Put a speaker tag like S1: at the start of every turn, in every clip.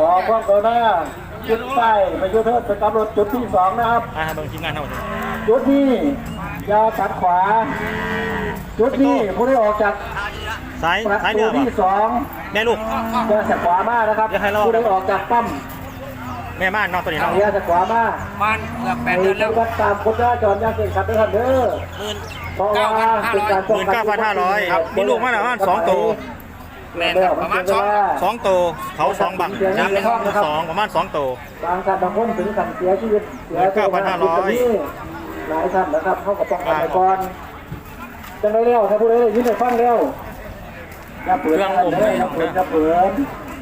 S1: ขอความกรุณาจุดไปไปยุทธเทิดไปกำหนดจุดที่2นะครับ
S2: เบิ่งทีมงานเท่าไหร่
S1: จุดนี้ยาวตัดขวาจุดนี้ผู้ได้ออกจาก
S2: ซ้าย
S1: เรือที่2
S2: แม่ลูก
S1: จะจากขวามากนะครับผู้ได้ออกจากปั๊ม
S2: แม่ม่านนอนตัวนี้เนาะ
S1: จากขวามาก
S3: มันเกือบ8 เดือนแล้ว
S1: ตามคนจราจรยังเก่งขัดด้วยกันเด้อเพราะว่าเป็นการป้องกัน
S2: 19,500ครับมีลูกมาแล้ว2ตัว
S3: แม่ประมาณ
S2: 2ตัวเขา2บัง2ประมาณ2ตัว
S1: บางท่านบางคนถึงขั้นเสียชีวิต
S2: 19,500
S1: หลายท่านนะครับเขาก็ป้องกันไปก่อนจังได้เร็วถ้าพูดได้ยินได้ฟังเร็วอย่าเปิดอย่าเปิด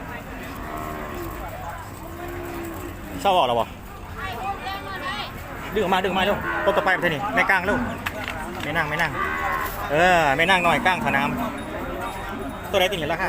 S2: เศร้าออกแล้วบ่ดึงออกมาเร็วตัวต่อไปประเทศนี้แม่ก้างเร็วไม่นั่งไม่นั่งหน่อยก้างสนามตัวไหนติดเห็นราคา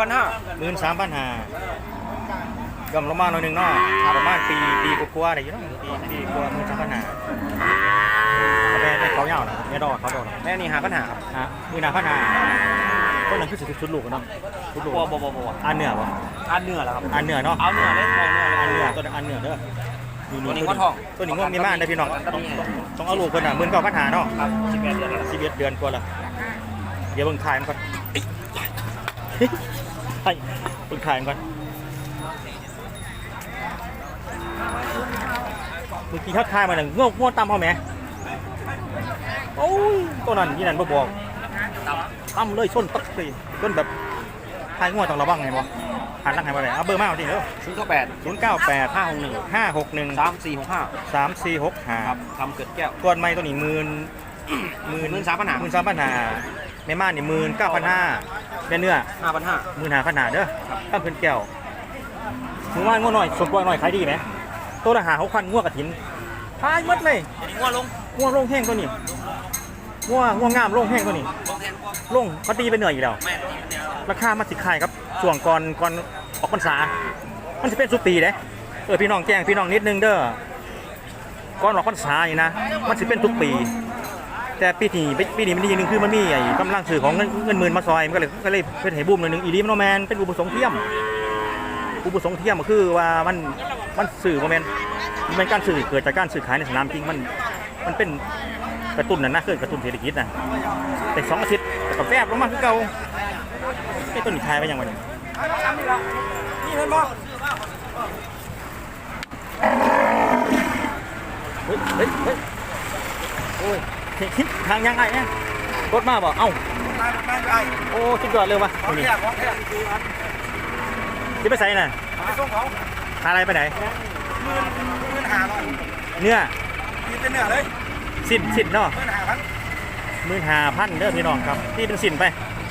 S2: 13,500ย่อมลงมาหน่อยนึงเนาะประมาณปีกว่าๆอะไรอยู่เนาะปีกว่า13,500แม่เขาเงาเนาะแม่ดอกเขาดอก
S3: แม่นี่5,500ครับ
S2: 15,500ต้นนั้นคือชุดลูกเนาะชุดลูก
S3: บ่
S2: อันเนื้อบ่
S3: อันเนื้อแล้วครับ
S2: อันเนื้อเนาะ
S3: เอาเนื้อเลย
S2: อันเนื้อตัวอันเนื้อเด้อ
S3: ตัวนี้ก็ทอง
S2: ตัวนี้ก็มีม่านได้พี่น้องต้องเอาลูกเพิ่นน่ะ19,500เนาะ
S3: ครับ11
S2: เดือนกว่าละเดี๋ยวเบิ่งถ่ายมันก่อนให้เบิ่งถ่ายมันก่อนเมื่อกี้เขาถ่ายมาหนึ่งง่วงตำเขาไหมโอ้ยตัวนั้นยี่นั่นบ่บอกตำเลยชนตักเลยชนแบบถ่ายง่วงต้องระวังไงบ่หันหลังให้มาเลยเอาเบอร์มาเอาจริงเด้อ098 561 3465
S3: ครับทำเกิดแก้ว
S2: ตัวใหม่ตัวนี้13,500แม่ม่านนี่19,500แม่เนื้อ15,500เด้อตั้งเพิ่นแก้วมือว่านง่วงหน่อยสดกว่าหน่อยขายดีไหมตัวละ5,000ง่วงกระถินขายหมดเลย
S3: ง่วง
S2: ลงแห้งตัวนี้ง่วงงามลงแห้งตัวนี้ลงเขาตีไปเหนื่อยอยู่แล้วราคามันสิขายครับช่วงก่อนออกพรรษามันจะเป็นสุปีเด้พี่น้องแจ้งพี่น้องนิดนึงเด้อก่อนออกพรรษานี่นะมันจะเป็นทุกปีแต่ปีนี้มันดีนึงคือมันมีไอ้กำลังซื้อของเงินหมื่นมาซอยมันก็เลยเป็นให้บูมหน่อยนึงอีลีมันโนแมนเป็นอุปสงค์เทียมก็คือว่ามันสื่อโมเมนต์มันการสื่อเกิดจากการสื่อขายในสนามจริงมันเป็นกระตุ้นนะคือกระตุ้นเศรษฐกิจนะแต่2 อาทิตย์กับแฟบลงมาคือเก่าไอ้ต้นนี้ทายไปยังไงนี่เลยบ่เฮ้ยโอ้ยคิดทางยังไงเนี่ยรถมาบ่เอ้าโอ้คิดก่อนเร็ววะที่ไปใส่น่ะ
S3: ไปส่งเขา
S2: อะไรไปไหน
S3: 15,000
S2: เนื้อ
S3: เป็นเนื้อเลย
S2: สินเนาะ
S3: 15,000
S2: เด้อพี่น้องครับที่เป็นสินไป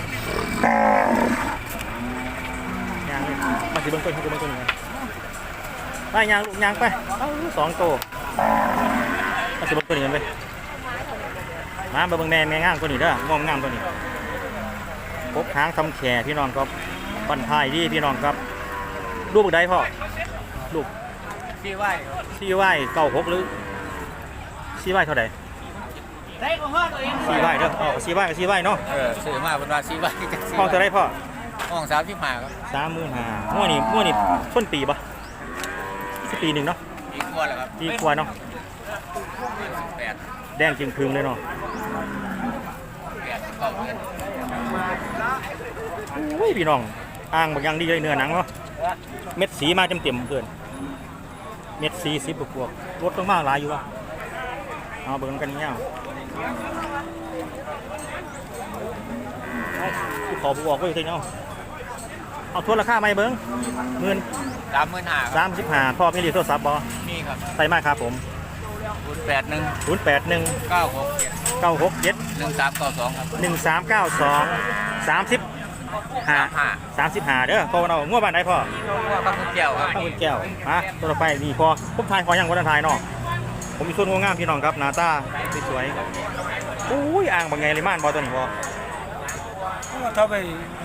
S2: ยางเลยมาสิเบิ้งต้นให้กูเบิ้งต้นหนึ่งไปยางลูกยางไป2 ตัวมาสิเบิ้งต้นหนึ่งไปมาเบิ้งแม่งามตัวนี้เด้องามตัวนี้พกหางทำแขพี่น้องครับปั่นพายดีพี่น้องครับลูกได้พ่อลูก
S3: ซีไ
S2: ว้96หรือซีไว้เท่าไหร่ซีไว้เด้อซีไว้เนาะ
S3: ซื้อมาเป็นว่าซีไว้
S2: ห้องเท่าไรพ่อ
S3: ห้อง35ครับ
S2: 35,000มั่วนี่ต้นปีปะปีหนึ่งเนาะปีกว่าเนาะแดงจึงพึงเลยเนาะโอ้ยพี่น้องอ่างบางอย่างดีเลยเนื้อหนังเนาะเม็ดสีมาเต็มเพื่อนเม็ดสี10 บวกรถต้องมากหลายอยู่วะเอาเบิ่งกันเงี้ยขอบอกไว้ทีเนาะเอาทวนราคาไหมเบิ้ง
S3: 35,000
S2: พ่อพี่รีโทรศัพท์บอ
S3: นี่ครับ
S2: ใส่มากครับผม
S3: 081 967 1392ครับ
S2: 35เด้อโตเอาง่วงบ้านไหนพ่อ
S3: ข้าวแก้วครับ
S2: ข้าวแก้วมาตัวต่อไปนี่พอผมทายขอยังวันทายเนาะผมมีส่วนงามพี่น้องครับหน้าตาสวยๆอุ้ยอ่างบางไงเลยม่านบอตัวนี้พอ
S1: ถ้าไป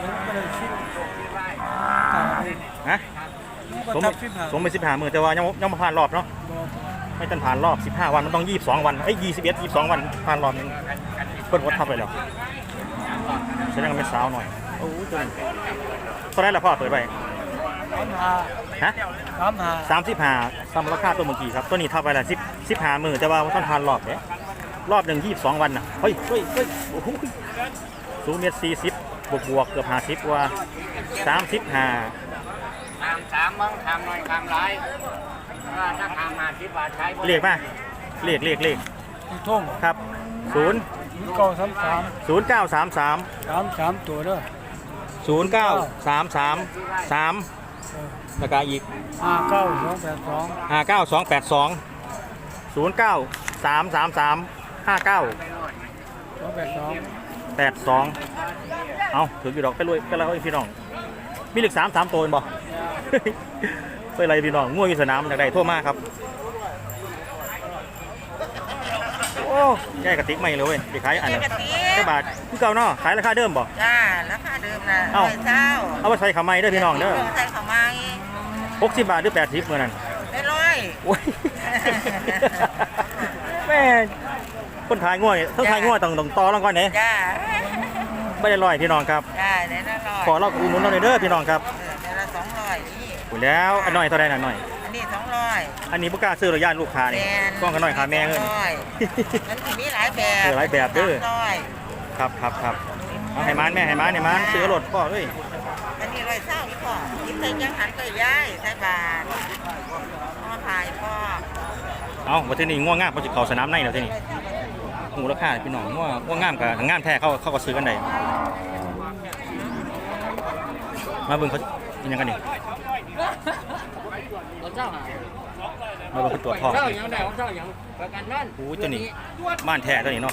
S2: ฮะสมไป15 มื้อแต่ว่ายังมาผ่านรอบเนาะไม่ต้องผ่านรอบ15 วันมันต้อง22 วัน22 วันผ่านรอบนึงเพิ่นกดทับไปแล้วแสดงว่าเป็นสาวหน่อยโอ้ยตัวนี้เท่าไหร่ล่ะพ่อเปิดไปฮะ 35ซ้ำราคาตัวเมื่อกี้ครับตัวนี้ทับไปละ15มื้อแต่ว่าต้องทานรอบเด้รอบหนึ่ง22วันน่ะเฮ้ยโอ้โหสูงเมตร40บวกเกือบ50กว่า35
S3: ถามมึงถามหน่อยถามไรถ้าถามมา10 บาทใช้
S2: เลขมาเลข
S1: ท่ง
S2: ครับ
S1: 933
S2: 0933
S1: 33ตัวเด้อ
S2: 09333แล้วก็อีก
S1: 59282
S2: 59282 093335982 เอาถือกี่ดอกไปรวยกันแล้วพี่น้องมีเหล็ก3ตัวบ่ ไปอะไรพี่น้องง่วงอยู่สนามจากใดโทษมากครับโอ้ยายกระติกไม่เลยเว้ยไปขายอันละแค่บาทคือเก่าเนาะขายราคาเดิมบ่
S4: จ้าราคาเดิมนะ
S2: เอ้า
S4: เช้า
S2: เอาไปใส่ขาไม้เด้อพี่น้องเด้อ
S4: ใส่ข้าวไม้
S2: 60 บาทหรือ80เมื่อนั้น
S4: ได้ร้อย
S2: โอ้ย แม่คนขายง่วยต้องขายง่วยต้องต่อรองก่อนเนี่ย
S4: จ้า
S2: ไม่ได้ลอยพี่น้องครับ
S4: จ้าได้ละร้อย
S2: ขอเราอุดหนุนเราหน่อยเด้อพี่น้องครับ
S4: ได้ละ200นี่
S2: อยู่แล้วอันหน่อยเท่าไรน่ะหน่อย
S4: อันนี้200
S2: อันนี้บ่กล้าซื้อหรอกย่านลูกค้านี่
S4: แม่น
S2: กล้องกันหน่อยค่ะแม่เงิน
S4: 200มันสิมีหลายแบบ
S2: หลายแบบเด้อ
S4: 300
S2: ครับเอาให้มันแม่ให้มันซื้อรถพ่อเอ้ย
S4: อันนี้ร้อยเช้าอีกพ่อกินใส่จังหันก็ย้ายใส่บาทมาพายพ่อ
S2: เอาวันที่นี่ง่วงงามเขาจะเข้าสนามในแล้วที่นี่หูราคาพี่น้องง่วงงามกับงามแท้เขาก็ซื้อกันได้มาเบิ่งเขาเป็นยังกันนี่มาเบิ่งเขาตรวจทอง
S3: เจ้าอย่างใดของเจ้าอย่างประกันนั่น
S2: โอ้ยตัวนี้บ้านแท้ตัวนี้เนาะ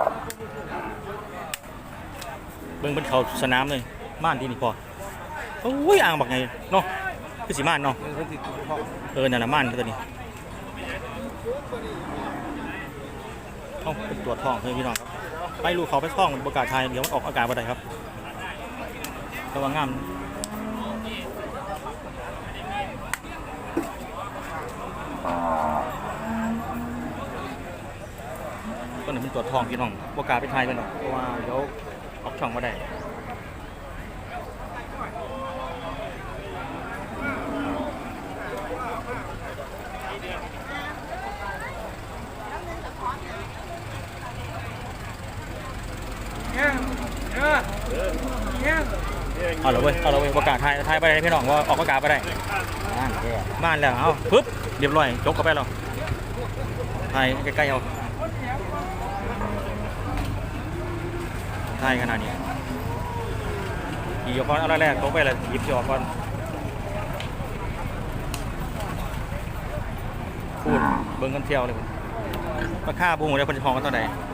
S2: เบิ่งเป็นเขาสนามเลยม่านที่นี่พอโอ้ยอ่างบักไงเนาะคือสีม่านเนาะนั่นน่ะม่านตัวนี้เอาเป็นตัวจทองเลยพี่น้องครับไปลูกเขาไปท่องประกาศไทยเดี๋ยวมันออกอากาศบ่ได้ครับระวังงามก็หนึ่งเป็นตัวจทองพี่น้องประกาศไปไทยกันหรอกเพราะว่าเดี๋ยวออกช่องมาได้เอาละเว้ยประกาศไทยไปได้พี่น้องว่าออกประกาศไปได้ม่านแล้วเอาปึ๊บเรียบร้อยจบเข้าไปแล้วไทยใกล้ๆเอาไทยขนาดนี้หยิบก่อนเอาแรกๆตกไปเลยหยิบจอก่อนพูดเบิ้งกันเที่ยวเลยราคาบูมเลยคนจะพองกันเท่าไหร่